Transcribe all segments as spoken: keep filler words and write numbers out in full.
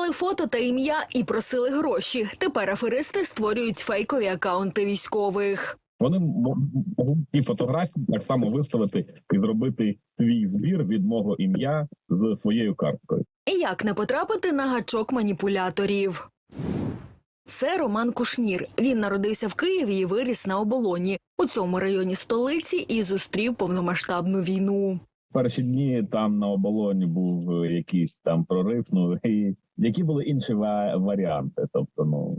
Ввели фото та ім'я і просили гроші. Тепер аферисти створюють фейкові акаунти військових. Вони можуть ті фотографії так само виставити і зробити свій збір від мого ім'я з своєю карткою. І як не потрапити на гачок маніпуляторів? Це Роман Кушнір. Він народився в Києві і виріс на Оболоні, у цьому районі столиці, і зустрів повномасштабну війну. Перші дні там на Оболоні був якийсь там прорив, ну і які були інші ва- варіанти. Тобто, ну,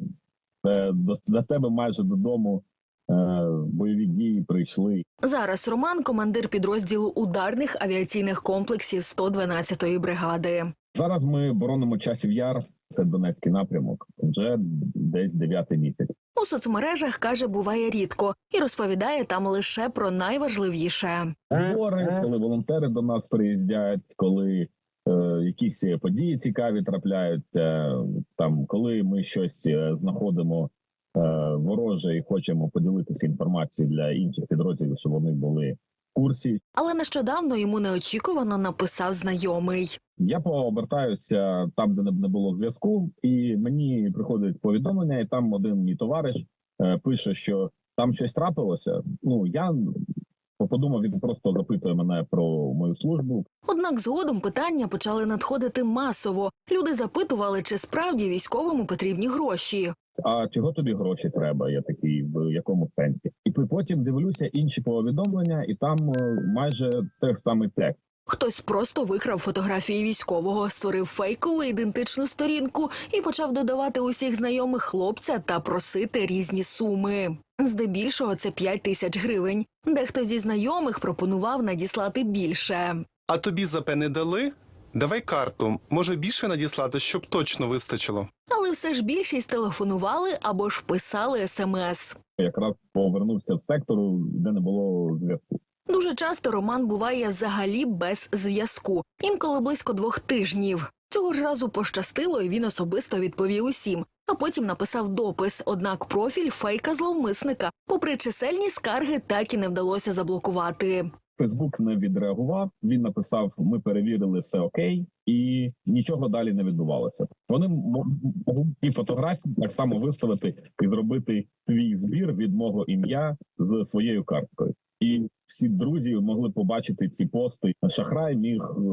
це до, до тебе майже додому е, бойові дії прийшли. Зараз Роман – командир підрозділу ударних авіаційних комплексів сто дванадцятої бригади. Зараз ми боронимо Часів Яр, це Донецький напрямок, вже десь дев'ятий місяць. У соцмережах, каже, буває рідко і розповідає там лише про найважливіше. Збори, коли волонтери до нас приїздять, коли е, якісь події цікаві трапляються, там, коли ми щось е, знаходимо е, вороже і хочемо поділитися інформацією для інших підрозділів, щоб вони були в курсі. Але нещодавно йому неочікувано написав знайомий. Я пообертаюся там, де не було зв'язку, і мені приходить повідомлення, і там один мій товариш е, пише, що там щось трапилося. Ну, я подумав, він просто запитує мене про мою службу. Однак згодом питання почали надходити масово. Люди запитували, чи справді військовому потрібні гроші. А чого тобі гроші треба? Я такий, в якому сенсі? І потім дивлюся інші повідомлення, і там е, майже той самий текст. Хтось просто викрав фотографії військового, створив фейкову ідентичну сторінку і почав додавати усіх знайомих хлопця та просити різні суми. Здебільшого це п'ять тисяч гривень. Дехто зі знайомих пропонував надіслати більше. А тобі ЗП не дали? Давай карту. Може більше надіслати, щоб точно вистачило. Але все ж більшість телефонували або ж писали смс. Якраз повернувся в сектору, де не було зв'язку. Дуже часто Роман буває взагалі без зв'язку, інколи близько двох тижнів. Цього ж разу пощастило, і він особисто відповів усім, а потім написав допис, однак профіль фейка-зловмисника, попри чисельні скарги, так і не вдалося заблокувати. Фейсбук не відреагував, він написав, ми перевірили, все окей, і нічого далі не відбувалося. Вони можуть ті фотографії так само виставити і зробити свій збір від мого ім'я з своєю карткою. І всі друзі могли побачити ці пости. Шахрай міг е,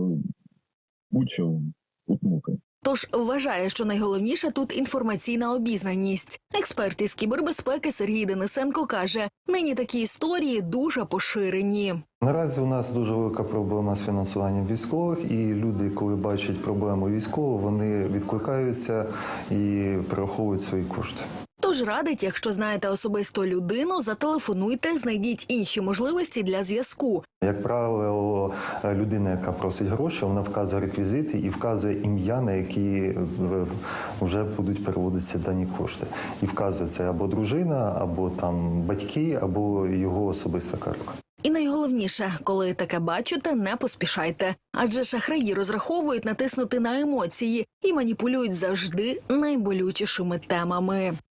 будь-що утнути. Тож вважає, що найголовніше тут інформаційна обізнаність. Експерт із кібербезпеки Сергій Денисенко каже, нині такі історії дуже поширені. Наразі у нас дуже велика проблема з фінансуванням військових, і люди, коли бачать проблему військову, вони відкликаються і перераховують свої кошти. Тож радить, якщо знаєте особисто людину, зателефонуйте, знайдіть інші можливості для зв'язку. Як правило, людина, яка просить гроші, вона вказує реквізити і вказує ім'я, на які вже будуть переводитися дані кошти. І вказує це або дружина, або там батьки, або його особиста картка. І найголовніше, коли таке бачите, не поспішайте. Адже шахраї розраховують натиснути на емоції і маніпулюють завжди найболючішими темами.